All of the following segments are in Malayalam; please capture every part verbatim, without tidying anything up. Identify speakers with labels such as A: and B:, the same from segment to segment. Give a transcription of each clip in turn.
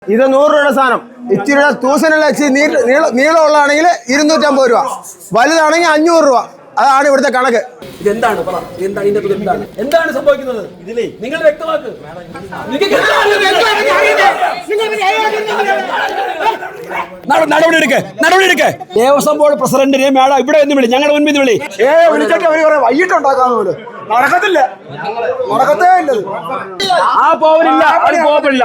A: ഇത് നൂറ് രൂപയുടെ സാധനം. ഇച്ചിരി തൂസനുള്ള നീളമുള്ളതാണെങ്കിൽ ഇരുന്നൂറ്റമ്പത് രൂപ, വലുതാണെങ്കിൽ അഞ്ഞൂറ് രൂപ. അതാണ് ഇവിടുത്തെ കണക്ക്.
B: ഇതെന്താണ് പറ, എന്താണ് ഇതിന്റെ എന്താണ് എന്താണ് സംഭവിക്കുന്നത്? ഇതിലേ നിങ്ങൾ വ്യക്തമാക്ക്. നടപടി എടുക്ക്, നടപടി എടുക്ക്. ദേവസ്വം ബോർഡ് പ്രസിഡന്റിനെ മേഡം ഇവിടെ എന്ന് വിളി, ഞങ്ങളുടെ മുൻപിൽ വിളി.
A: ഏ വിളിച്ചിട്ട് അവര് കുറെ വൈകിട്ടുണ്ടാക്കാന്ന് പോലും നടക്കത്തില്ല, നടക്കത്തേ ഇല്ല.
B: ആ പോവില്ല, അത് പോവില്ല.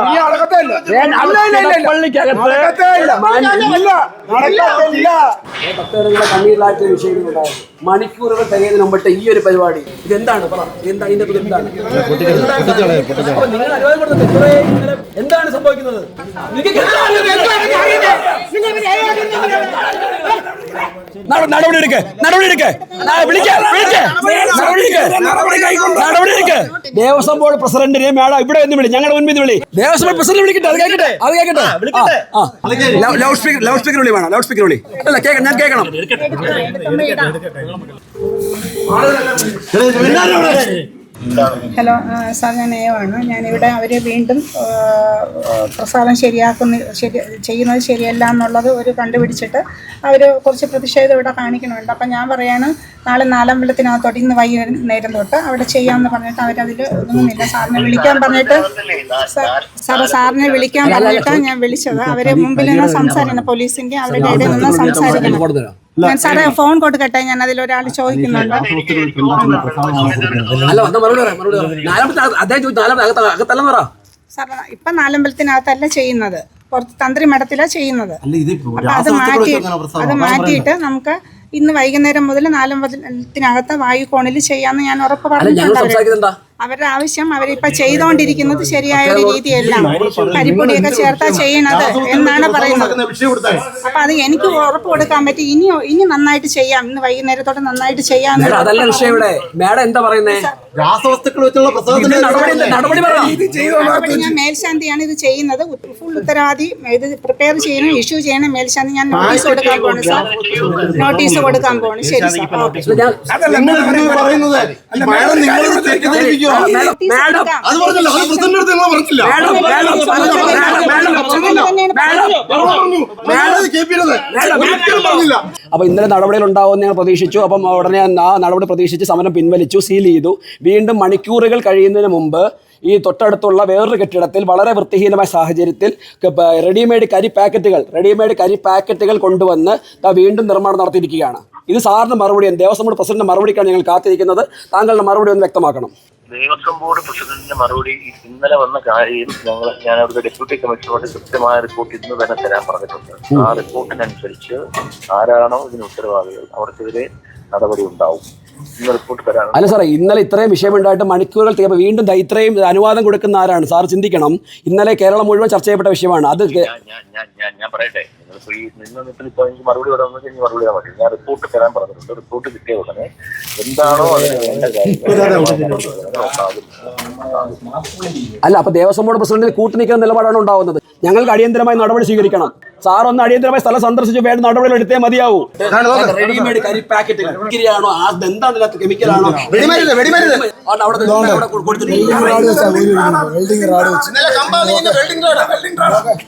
B: ഭക്തജനങ്ങളെ കണ്ണീരിലാഴ്ച വിഷയങ്ങളുണ്ടായി. മണിക്കൂറുകൾ തികയുന്നതിന് മുമ്പിട്ട് ഈ ഒരു പരിപാടി ഇതെന്താണ് പറ, എന്താണ് ഇതിന്റെ എന്താണ് നിങ്ങൾ അനുവാദം കൊടുത്തത്? എന്താണ് സംഭവിക്കുന്നത്? നടപടി എടുക്ക്, നടപടി എടുക്ക്, നടപടി എടുക്ക്. ദേവസ്വം ബോർഡ് പ്രസിഡന്റിനെ മേഡം ഇവിടെ എന്ന് വിളി, ഞങ്ങളുടെ മുൻപിൽ വിളി. ദേവസ്വം ബോർഡ് പ്രസിഡന്റ് വിളിക്കട്ടെ, അത് കേൾക്കട്ടെ, അത് കേൾക്കട്ടെ. ലൗഡ് സ്പീക്കർ, ലൗഡ് സ്പീക്കർ വിളി വേണം, ലൗഡ് സ്പീക്കർ വിളി. അല്ല കേൾക്കണം, ഞാൻ കേൾക്കണം.
C: ഹലോ സാർ, ഞാൻ ഏവാണ്. ഞാനിവിടെ അവർ വീണ്ടും പ്രസാദം ശരിയാക്കുന്ന ശരി ചെയ്യുന്നത് ശരിയല്ല എന്നുള്ളത് ഒരു കണ്ടുപിടിച്ചിട്ട് അവർ കുറച്ച് പ്രതിഷേധം ഇവിടെ കാണിക്കണമുണ്ട്. അപ്പം ഞാൻ പറയാണ്, നാളെ നാലമ്പലത്തിനകത്തോട്ട് ഇന്ന് വൈകുന്നേരം തൊട്ട് അവിടെ ചെയ്യാമെന്ന് പറഞ്ഞിട്ട് അവരതിൽ ഒന്നുമില്ല. സാറിനെ വിളിക്കാൻ പറഞ്ഞിട്ട് സാറ് സാറിനെ വിളിക്കാൻ പറഞ്ഞിട്ടാണ് ഞാൻ വിളിച്ചത്. അവരെ മുമ്പിൽ നിന്ന് സംസാരിക്കണം, പോലീസിൻ്റെ അവരുടെ ഇടയിൽ നിന്ന് സംസാരിക്കണം. ഞാൻ സാറേ ഫോൺ കൊടുക്കട്ടെ, ഞാൻ അതിലൊരാൾ ചോദിക്കുന്നുണ്ട്. സാർ ഇപ്പൊ നാലമ്പലത്തിനകത്തല്ല ചെയ്യുന്നത്, പുറത്ത് തന്ത്രി മഠത്തിലാണ് ചെയ്യുന്നത്. അപ്പൊ അത് മാറ്റി അത് മാറ്റിയിട്ട് നമുക്ക് ഇന്ന് വൈകുന്നേരം മുതൽ നാലമ്പലത്തിനകത്ത് വായുകോണിൽ ചെയ്യാന്ന് ഞാൻ ഉറപ്പ് പറഞ്ഞിട്ടുണ്ട്. അവരുടെ ആവശ്യം അവരിപ്പോ ചെയ്തുകൊണ്ടിരിക്കുന്നത് ശരിയായ ഒരു രീതിയല്ല, കരിപ്പൊടിയൊക്കെ ചേർത്താ ചെയ്യണത് എന്നാണ് പറയുന്നത്. അപ്പൊ അത് എനിക്ക് ഉറപ്പ് കൊടുക്കാൻ പറ്റി. ഇനി ഇനി നന്നായിട്ട് ചെയ്യാം, ഇന്ന് വൈകുന്നേരത്തോടെ നന്നായിട്ട് ചെയ്യാം. ഞാൻ മേൽശാന്തിയാണ് ഇത് ചെയ്യുന്നത്. ഫുൾ ഉത്തരവാദി ഇത് പ്രിപ്പയർ ചെയ്യണം, ഇഷ്യൂ ചെയ്യണം മേൽശാന്തി. ഞാൻ നോട്ടീസ് കൊടുക്കാൻ പോണു സാർ, നോട്ടീസ് കൊടുക്കാൻ പോണു. ശരി സാർ.
B: അപ്പൊ ഇന്നലെ നടപടികൾ ഉണ്ടാവുമെന്ന് ഞങ്ങൾ പ്രതീക്ഷിച്ചു. അപ്പം ഉടനെ ആ നടപടി പ്രതീക്ഷിച്ച് സമരം പിൻവലിച്ചു, സീൽ ചെയ്തു. വീണ്ടും മണിക്കൂറുകൾ കഴിയുന്നതിന് മുമ്പ് ഈ തൊട്ടടുത്തുള്ള വേറൊരു കെട്ടിടത്തിൽ വളരെ വൃത്തിഹീനമായ സാഹചര്യത്തിൽ റെഡിമെയ്ഡ് കരി പാക്കറ്റുകൾ റെഡിമെയ്ഡ് കരി പാക്കറ്റുകൾ കൊണ്ടുവന്ന് വീണ്ടും നിർമ്മാണം നടത്തിയിരിക്കുകയാണ്. ഇത് സാറിന് മറുപടിയാണ്, ദേവസ്വം ബോർഡ് പ്രസിഡന്റിന്റെ മറുപടിക്കാണ് ഞങ്ങൾ കാത്തിരിക്കുന്നത്. താങ്കളുടെ മറുപടി ഒന്ന് വ്യക്തമാക്കണം.
D: ദേവസ്വം ബോർഡ് പ്രസിഡന്റിന്റെ മറുപടി ഇന്നലെ വന്ന കാര്യം ഞങ്ങൾ ഞാൻ അവരുടെ ഡെപ്യൂട്ടി കമ്മീഷണറോട് കൃത്യമായ റിപ്പോർട്ട് ഇന്ന് തന്നെ തരാൻ പറഞ്ഞിട്ടുണ്ട്. ആ റിപ്പോർട്ടിനനുസരിച്ച് ആരാണോ ഇതിന് ഉത്തരവാദികൾ അവർക്കെതിരെ നടപടി ഉണ്ടാവും. ഇന്ന് റിപ്പോർട്ട് തരാൻ.
B: അല്ല സാറേ, ഇന്നലെ ഇത്രയും വിഷയമുണ്ടായിട്ട് മണിക്കൂറുകൾ തീർപ്പോൾ വീണ്ടും ഇത്രയും അനുവാദം കൊടുക്കുന്ന ആരാണ്? സാർ ചിന്തിക്കണം, ഇന്നലെ കേരളം മുഴുവൻ ചർച്ച ചെയ്യപ്പെട്ട വിഷയമാണ്. അത്
D: ഞാൻ പറയട്ടെ, നിങ്ങളിപ്പോ ഈ നിന്നിട്ട് ഇപ്പൊ എനിക്ക് മറുപടി പറയാമെന്ന് വെച്ചാൽ മറുപടി പറയാൻ പറ്റും. ഞാൻ റിപ്പോർട്ട് തരാൻ പറഞ്ഞിട്ടുണ്ട്. റിപ്പോർട്ട് കിട്ടിയ ഉടനെ എന്താണോ അതിന് വേണ്ട കാര്യം.
B: അല്ല, അപ്പൊ ദേവസ്വം ബോർഡ് പ്രസിഡന്റിന് കൂട്ടുനിൽക്കുന്ന നിലപാടാണ് ഉണ്ടാവുന്നത്. ഞങ്ങൾക്ക് അടിയന്തരമായി നടപടി സ്വീകരിക്കണം. സാർ ഒന്ന് അടിയന്തരമായി സ്ഥലം സന്ദർശിച്ച് വേണ്ട നടപടികൾ എടുത്തേ മതിയാവൂ. റെഡിമെയ്ഡ് കരി പാക്കറ്റുകൾ എന്താണ് കെമിക്കലാണോ?